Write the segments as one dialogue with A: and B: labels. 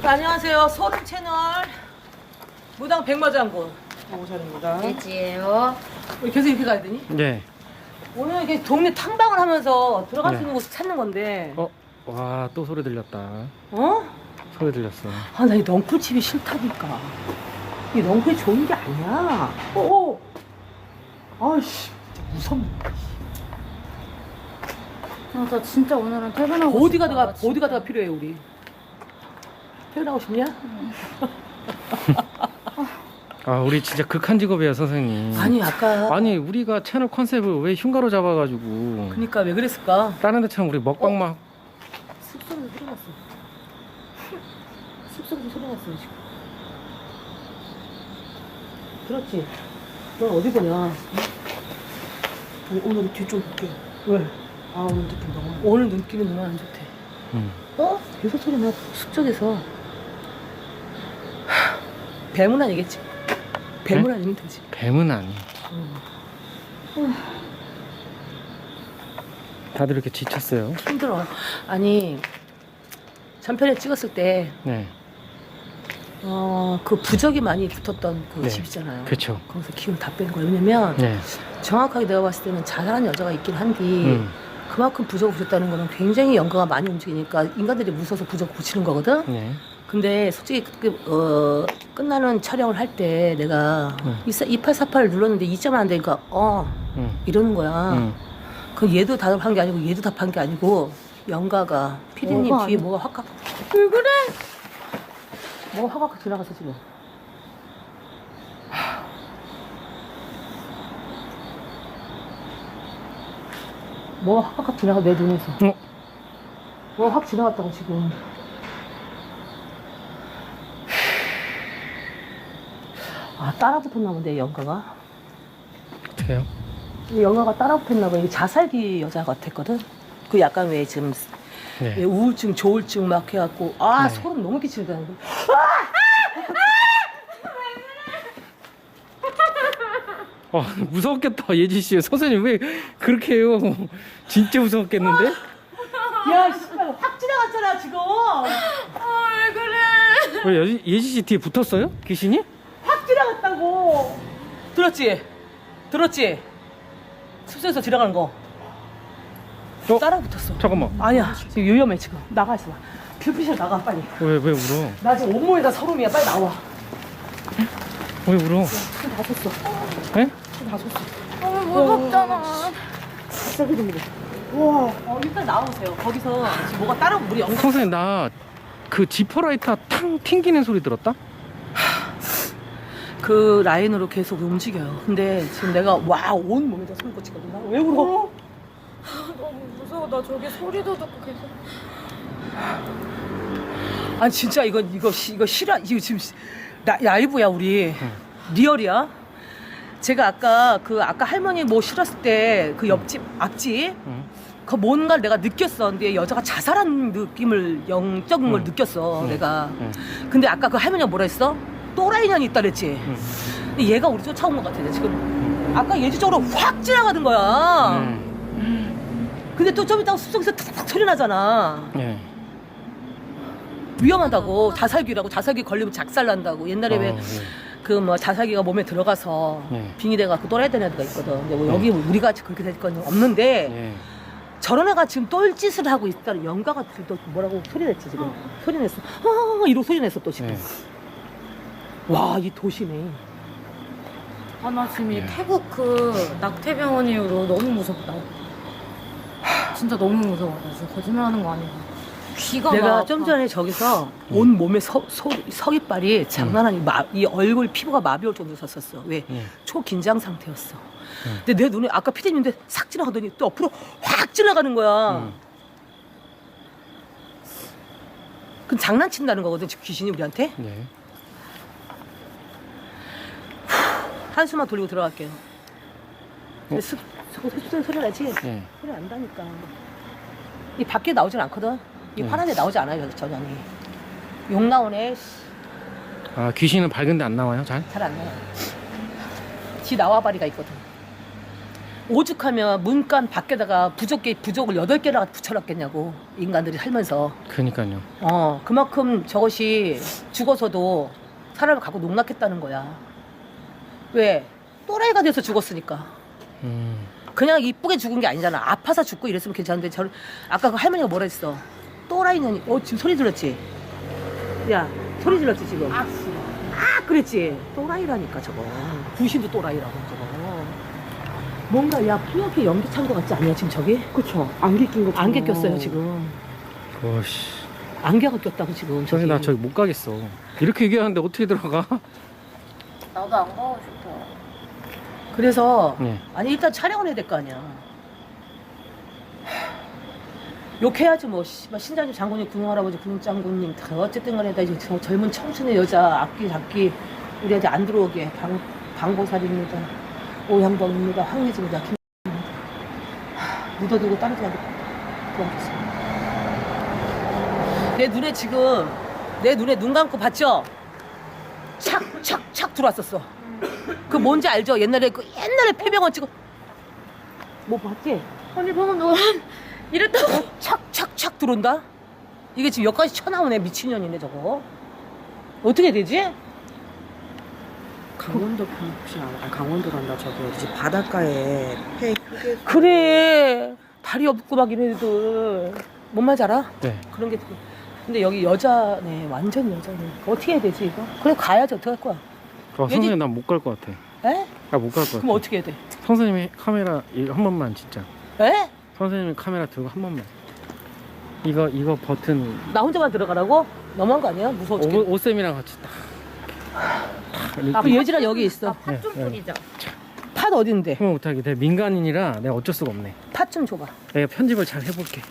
A: 안녕하세요. 소름 채널 무당 백마장군 오셨습니다.
B: 예지예요.
A: 우리 계속 이렇게 가야 되니?
C: 네.
A: 오늘 이렇게 동네 탐방을 하면서 들어갈 수
C: 네.
A: 있는 곳을 찾는 건데.
C: 와, 또 소리 들렸다.
A: 어?
C: 소리 들렸어.
A: 아, 나 이 넝쿨집이 싫다니까. 이 넝쿨이 좋은 게 아니야. 아이씨, 진짜 무섭네.
B: 나 진짜 오늘은 퇴근하고
A: 보디가드가
B: 싶다,
A: 보디가드가 필요해 우리. 퇴근하고 싶냐?
C: 아, 우리 진짜 극한 직업이야, 선생님.
A: 아니 아까.
C: 아니, 우리가 채널 컨셉을 왜 흉가로 잡아가지고.
A: 그니까 왜 그랬을까?
C: 다른 데처럼 우리 먹방만.
A: 숲소리도 소리 났어. 숲소리도 소리 났어 지금. 들었지? 넌 어디 보냐? 아니, 오늘 뒤쪽 볼게. 왜? 아, 오늘 느낌 너무. 오늘 눈길이 너무 안 좋대. 계속 소리 나. 숙적에서. 뱀은 아니겠지? 뱀은
C: 네?
A: 아니면 되지.
C: 뱀은 아니. 다들 이렇게 지쳤어요.
A: 힘들어. 아니, 전편에 찍었을 때,
C: 네.
A: 그 부적이 많이 붙었던 그
C: 네.
A: 집 있잖아요.
C: 그쵸.
A: 거기서 기운 다 뺀 거예요. 왜냐면,
C: 네.
A: 정확하게 내가 봤을 때는 자살한 여자가 있긴 한데, 그만큼 부적을 붙였다는 거는 굉장히 연가가 많이 움직이니까 인간들이 무서워서 부적 붙이는 거거든?
C: 네.
A: 근데 솔직히 끝나는 촬영을 할 때 내가 2848을 눌렀는데 2점 안 되니까 이러는 거야. 그 얘도 답한 게 아니고 얘도 답한 게 아니고 연가가 피디님 뒤에 뭐가 확
B: 왜 그래?
A: 뭐가 확 지나갔어 지금. 뭐가 확 지나가 내 눈에서. 뭐가 확 지나갔다고 지금. 아, 따라 붙었나 본데 연가가.
C: 어떡해요?
A: 이 영화가 따라 붙었나 봐. 이게 자살기 여자 같았거든. 그 약간 왜 지금 왜
C: 네.
A: 우울증, 조울증 막 해갖고
C: 네.
A: 소름 너무 끼치는 거.
C: 무서웠겠다, 예지씨. 선생님 왜 그렇게 해요? 진짜 무서웠겠는데?
A: 야, 씨발 확 지나갔잖아 지금.
B: 왜 그래?
C: 왜 예지씨 뒤에 붙었어요? 귀신이?
A: 확 지나갔다고. 들었지? 들었지? 숲속에서 지나가는 거. 따라 붙었어.
C: 잠깐만.
A: 아니야, 지금 위험해 지금. 나가 있어. 뷰피실 나가 빨리.
C: 왜 울어?
A: 나 지금 온몸에다 서름이야. 빨리 나와.
C: 왜 울어?
A: 손다 섰어.
C: 에?
A: 손다 섰어.
B: 너무 무섭잖아.
A: 진짜 그립니다. 와. 일단 나오세요. 거기서 지금 뭐가 따라 우리 영상.
C: 선생님, 나 그 지퍼라이터 탕 튕기는 소리 들었다?
A: 그 라인으로 계속 움직여요. 근데 지금 내가 온 몸에다 손을 꽂히거든. 나 왜 울어?
B: 너무 무서워. 나 저기 소리도 듣고 계속.
A: 아니 진짜 이거 실화. 이거 지금 라이브야 우리. 리얼이야. 제가 아까 할머니 뭐 실었을 때 그 옆집 앞집 그 뭔가를 내가 느꼈어. 근데 여자가 자살한 느낌을 영적인 걸 느꼈어 내가. 근데 아까 그 할머니가 뭐라 했어? 또라이년이 있다 그랬지. 근데 얘가 우리 쫓아온 것 같아 지금. 아까 예지적으로 확 지나가는 거야. 근데 또 좀 이따가 숲속에서 탁탁 소리 나잖아.
C: 네.
A: 위험하다고. 자살기라고. 자살기 걸리면 작살난다고. 옛날에 왜 그 뭐 자살기가 몸에 들어가서 빙이 돼갖고 또라이된 애가 있거든. 근데 뭐 여기 우리가 그렇게 될 건 없는데 저런 애가 지금 똘짓을 하고 있다는 연가가 또 뭐라고 소리 냈지 지금. 소리 냈어. 이러고 소리 냈어 또 지금. 와, 이 도시네.
B: 아, 나 지금 이 태국 그 낙태병원 이후로 너무 무섭다. 진짜 너무 무서워. 나 진짜 거짓말하는 거 아니고. 귀가
A: 내가
B: 막
A: 좀
B: 아파.
A: 전에 저기서 온 몸에 서깃발이 장난 아니고 이 얼굴 피부가 마비 올 정도로 섰었어. 왜? 초긴장 상태였어. 근데 내 눈에 아까 피디님인데 싹 지나가더니 또 옆으로 확 지나가는 거야. 그럼 장난친다는 거거든 지금 귀신이 우리한테.
C: 네.
A: 한숨만 돌리고 들어갈게요. 숲속에 소리 나지?
C: 네.
A: 소리 난다니까. 이 밖에 나오진 않거든. 이 화난 데 나오지 않아요 전혀. 욕 나오네.
C: 아, 귀신은 밝은데 안 나와요? 잘?
A: 잘 안 나와. 지 나와바리가 있거든. 오죽하면 문간 밖에다가 부적을 8개나 붙여놨겠냐고 인간들이 살면서.
C: 그니까요.
A: 그만큼 저것이 죽어서도 사람을 갖고 농락했다는 거야. 왜? 또라이가 돼서 죽었으니까. 그냥 이쁘게 죽은 게 아니잖아. 아파서 죽고 이랬으면 괜찮은데 아까 그 할머니가 뭐라 했어? 또라이년이. 지금 소리 들었지? 야, 소리 질렀지 지금? 그랬지? 또라이라니까 저거. 구신도 또라이라고 저거. 뭔가 야 뿌옇게 연기 찬 거 같지 않냐 지금 저기?
D: 그쵸. 안개 낀 거.
A: 안개 꼈어요 지금.
C: 오씨.
A: 안개가 꼈다고 지금 저기.
C: 나 저기 못 가겠어. 이렇게 얘기하는데 어떻게 들어가?
B: 나도 안 가고 싶어.
A: 그래서
C: 네.
A: 아니 일단 촬영을 해야 될 거 아니야. 욕해야지 뭐 신장님 장군님 군웅 할아버지 군웅 장군님 다 어쨌든 간에 다 이제 젊은 청춘의 여자 악기 잡기 우리한테 안 들어오게 방보살입니다. 오향범입니다. 황혜진입니다. 묻어두고 떨어지지 않게 도와주세요. 내 눈에 눈 감고 봤죠? 착 들어왔었어. 그 뭔지 알죠? 옛날에 폐병원 찍어 뭐 봤지?
B: 언니 방금 너 이랬다고.
A: 착 들어온다? 이게 지금 여기까지 쳐나오네. 미친년이네 저거. 어떻게 되지?
D: 강원도 편 혹시 알아? 강원도란다. 저기 어디지? 바닷가에 폐 휴게.
A: 그래 다리 없고 막 이런 애들 뭔 말인지 알아?
C: 네.
A: 그런 게 근데 여기 여자네. 완전 여자네. 어떻게 해야 되지 이거? 그래 가야지. 어떻게 할 거야?
C: 선생님 난 못 갈 것 같아.
A: 에?
C: 나 못 갈 것 같아.
A: 그럼 어떻게 해야 돼?
C: 선생님이 카메라 한 번만 진짜.
A: 에?
C: 선생님이 카메라 들고 한 번만. 이거 버튼.
A: 나 혼자만 들어가라고? 너무한 거 아니야? 무서워 죽겠네.
C: 오쌤이랑 같이 딱.
A: 그 예지랑 여기 있어.
B: 팥 좀
C: 네, 네.
B: 뿌리자.
A: 팥 어딘데?
C: 형 못하게. 내가 민간인이라 내가 어쩔 수가 없네.
A: 팥 좀 줘봐.
C: 내가 편집을 잘 해볼게.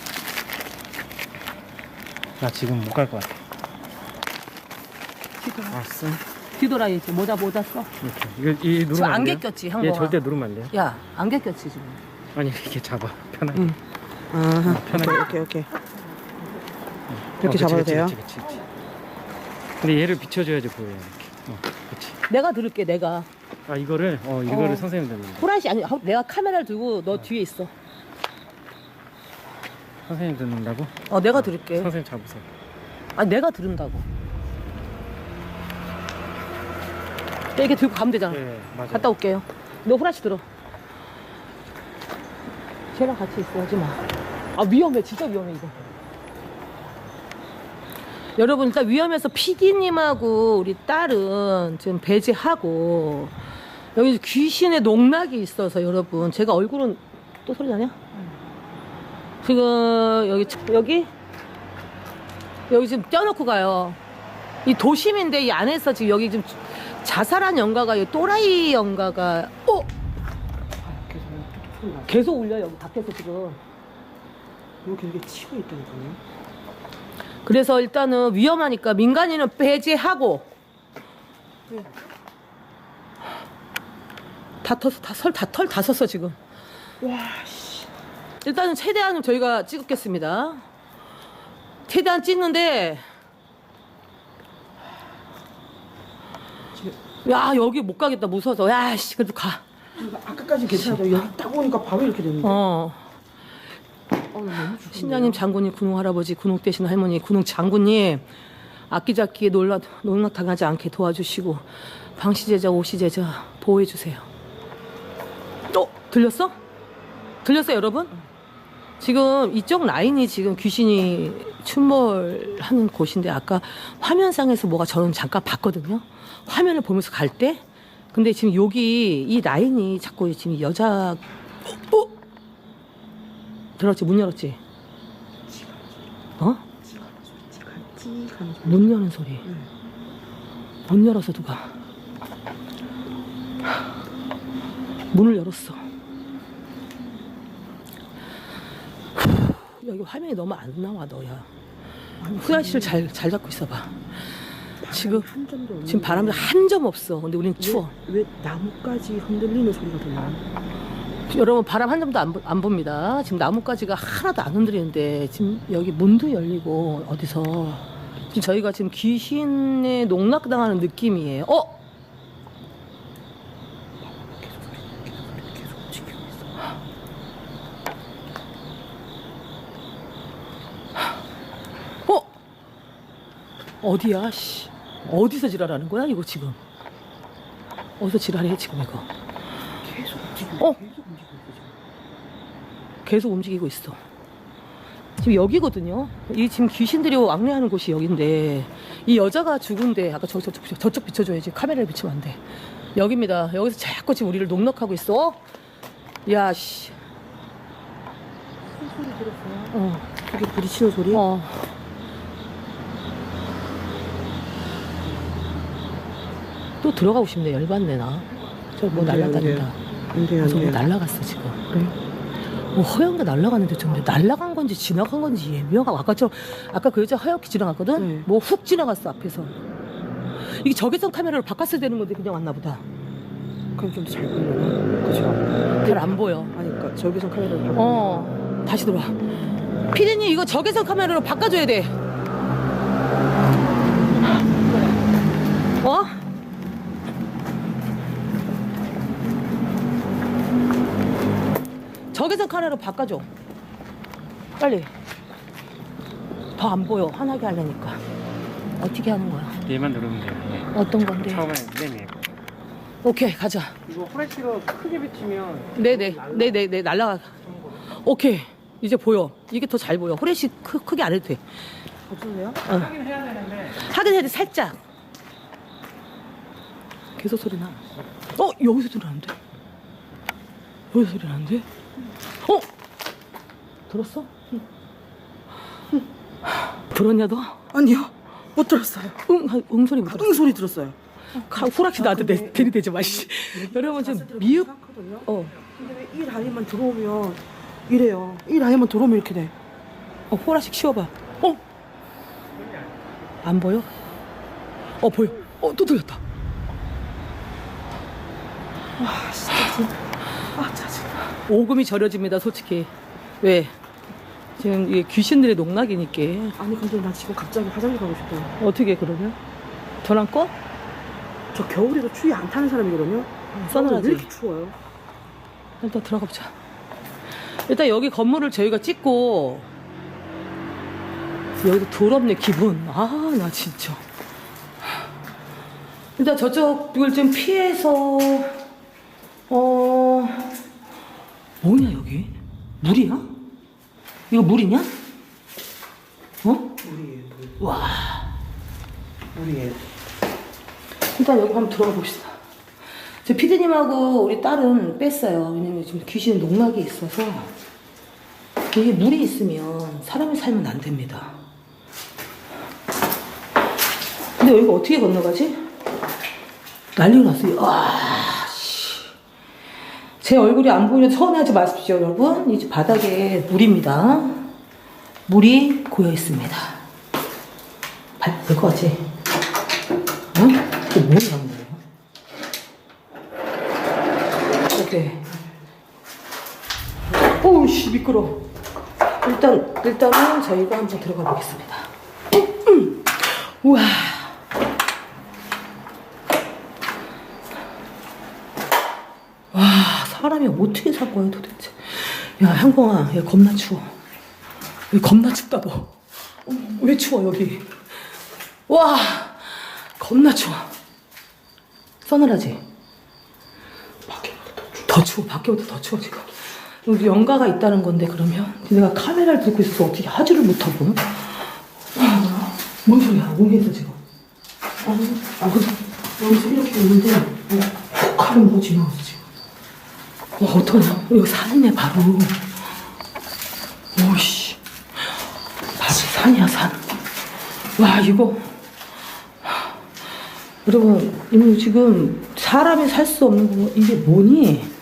C: 나 지금 못 갈 것 같아. 알았어.
A: 뒤돌아야지. 모자 써.
C: 이렇게. 이 누르면
A: 지금
C: 안
A: 안개
C: 돼요?
A: 꼈지
C: 얘
A: 항공아.
C: 절대 누르면 안 돼요.
A: 야 안개 꼈지 지금.
C: 아니 이렇게 잡아. 편하게.
A: 응.
D: 아하.
C: 편하게.
D: 오케이. 이렇게
C: 그치,
D: 잡아도
C: 그치,
D: 돼요?
C: 그치. 근데 얘를 비춰줘야지 보여요. 이렇게. 그치.
A: 내가 들을게 내가.
C: 아 이거를 선생님 들는 거.
A: 호란씨 아니 내가 카메라를 들고 너 뒤에 있어.
C: 선생님 듣는다고?
A: 내가 들을게.
C: 선생님 잡으세요.
A: 아니 내가 들은다고. 이렇게 들고 가면 되잖아.
C: 네, 맞아.
A: 갔다 올게요. 너 호란씨 들어. 쟤랑 같이 있어. 하지 마. 위험해. 진짜 위험해 이거. 여러분 일단 위험해서 PD님하고 우리 딸은 지금 배제하고 여기 귀신의 농락이 있어서 여러분 제가 얼굴은 또 소리 나냐? 지금 여기 지금 떼어놓고 가요. 이 도심인데 이 안에서 지금 여기 지금 자살한 연가가 또라이 연가가 계속 울려 여기 밖에서 지금.
D: 여기 이렇게 치고 있다니까요.
A: 그래서 일단은 위험하니까 민간인은 배제하고 다 섰어 지금.
D: 와 씨.
A: 일단은 최대한 저희가 찍겠습니다. 최대한 찍는데 야 여기 못 가겠다 무서워서. 야씨 그래도 가.
D: 아까까지 괜찮아요. 여기 딱 오니까 바로 이렇게 됐는데.
A: 어.
D: 너무 좋은데요?
A: 신장님 장군님 군웅 할아버지 군웅 대신 할머니 군웅 장군님 악기잡기에 농락 당하지 않게 도와주시고 방시제자 오시제자 보호해주세요. 들렸어? 들렸어요 여러분? 지금 이쪽 라인이 지금 귀신이 출몰하는 곳인데 아까 화면상에서 뭐가 저는 잠깐 봤거든요. 화면을 보면서 갈 때. 근데 지금 여기 이 라인이 자꾸 지금 여자 들었지? 문 열었지? 문 여는 소리. 문 열어서 누가 문을 열었어. 여기 화면이 너무 안 나와 너야. 후야씨를 잘 잡고 있어봐. 지금
D: 한 점도 없는.
A: 지금 바람이 한 점 없어. 근데 우린 추워.
D: 왜 나무까지 흔들리는 소리가 들려?
A: 여러분 바람 한 점도 안 봅니다. 지금 나뭇가지가 하나도 안 흔들리는데 지금 여기 문도 열리고 어디서 지금 저희가 지금 귀신에 농락당하는 느낌이에요.
D: 계속 지키고 있어.
A: 어디야? 씨. 어디서 지랄하는 거야 이거 지금? 어디서 지랄해 지금 이거?
D: 계속 움직이고
A: 어?
D: 계속 움직이고 있어 지금.
A: 계속 움직이고 있어. 지금 여기거든요. 이 지금 귀신들이 왕래하는 곳이 여긴데 이 여자가 죽은데 아까 저쪽 비춰줘야지. 카메라를 비추면 안 돼. 여기입니다. 여기서 자꾸 지금 우리를 농락하고 있어. 야 씨.
D: 소리 들었어요?
A: 어.
D: 그게 부딪히는 소리?
A: 어. 또 들어가고 싶네. 열받네 나. 저 뭐
D: 안 돼, 안
A: 날라다닌다.
D: 안 돼, 안
A: 저거
D: 돼.
A: 날라갔어 지금.
D: 그래?
A: 뭐 허연가 날라가는데 좀 날라간 건지 지나간 건지 예명하고 아까 그 여자 하얗게 지나갔거든.
D: 네.
A: 뭐 훅 지나갔어 앞에서. 이게 적외선 카메라로 바꿨어야 되는 건데 그냥 왔나 보다.
D: 그럼 좀 더 잘 보이려나? 그죠?
A: 잘 안 보여.
D: 아니 그러니까 저기서 카메라를 바꾸면
A: 어 다시 들어와. 피디님 이거 적외선 카메라로 바꿔줘야 돼. 어? 적외선 카메라로 바꿔줘. 빨리. 더 안 보여. 환하게 하려니까. 어떻게 하는 거야?
C: 얘만 누르면 돼요. 예.
A: 어떤 건데?
C: 처음에 네네.
A: 오케이 가자.
C: 이거 후레쉬로 크게 비치면
A: 네네 날라가. 오케이 이제 보여. 이게 더 잘 보여. 후레쉬 크게 안 해도 돼.
D: 어쩌세요?
C: 하긴 해야 되는데.
A: 하긴 해도 살짝. 계속 소리 나. 여기서 소리 나는데? 여기서 소리 나는데? 들었어? 들었냐 너?
D: 아니요 못 들었어요.
A: 응 소리 못 들었어.
D: 응 소리 들었어요.
A: 후락시 나한테
D: 근데-
A: 들이대지 마. 씨. 여러분 지금 미흡.
D: 생각하거든요.
A: 어.
D: 근데 왜 이 라인만 들어오면 이래요. 이 라인만 들어오면 이렇게 돼.
A: 호라씩 치워봐. 안 보여? 보여. 또 들렸다.
D: 아 진짜. 아 짜증.
A: 오금이 저려집니다, 솔직히. 왜? 지금 이게 귀신들의 농락이니까.
D: 아니 근데 나 지금 갑자기 화장실 가고 싶다.
A: 어떻게 그러면? 전화 꺼?
D: 저 겨울에도 추위 안 타는 사람이거든요.
A: 서늘하지?
D: 왜 이렇게 추워요?
A: 일단 들어가 보자. 일단 여기 건물을 저희가 찍고 여기도 더럽네 기분. 나 진짜. 일단 저쪽을 좀 피해서 뭐냐 여기? 물이야? 이거 물이냐?
D: 물이에요.
A: 와.
D: 물이에요.
A: 일단 여기 한번 들어가 봅시다. 저 피디님하고 우리 딸은 뺐어요. 왜냐면 지금 귀신 농락이 있어서 이게 물이 있으면 사람이 살면 안 됩니다. 근데 여기가 어떻게 건너가지? 난리가 났어요. 씨. 제 얼굴이 안 보이면 서운해하지 마십시오, 여러분. 이 바닥에 물입니다. 물이 고여 있습니다. 될 것 같지? 응? 이게 뭐라는 거예요? 오케이. 오우씨, 미끄러. 일단은 저희가 한번 들어가 보겠습니다. 우와. 와, 사람이 어떻게 산 거야, 도대체. 야, 형광아, 야, 겁나 추워. 여기 겁나 춥다고. 왜 추워, 여기? 와, 겁나 추워. 서늘하지? 더 추워. 밖에보다 더 추워, 지금. 여기 연가가 있다는 건데, 그러면? 내가 카메라를 들고 있어서 어떻게 하지를 못하고. 뭔 소리야, 웅해서 지금. 여기서 이렇게 오는데, 칼을 뭐 지나갔어, 지금. 와, 어떡하냐. 이거 산이네, 바로. 오이씨. 바로 산이야, 산. 와, 이거. 여러분, 이거 지금 사람이 살 수 없는 거, 이게 뭐니?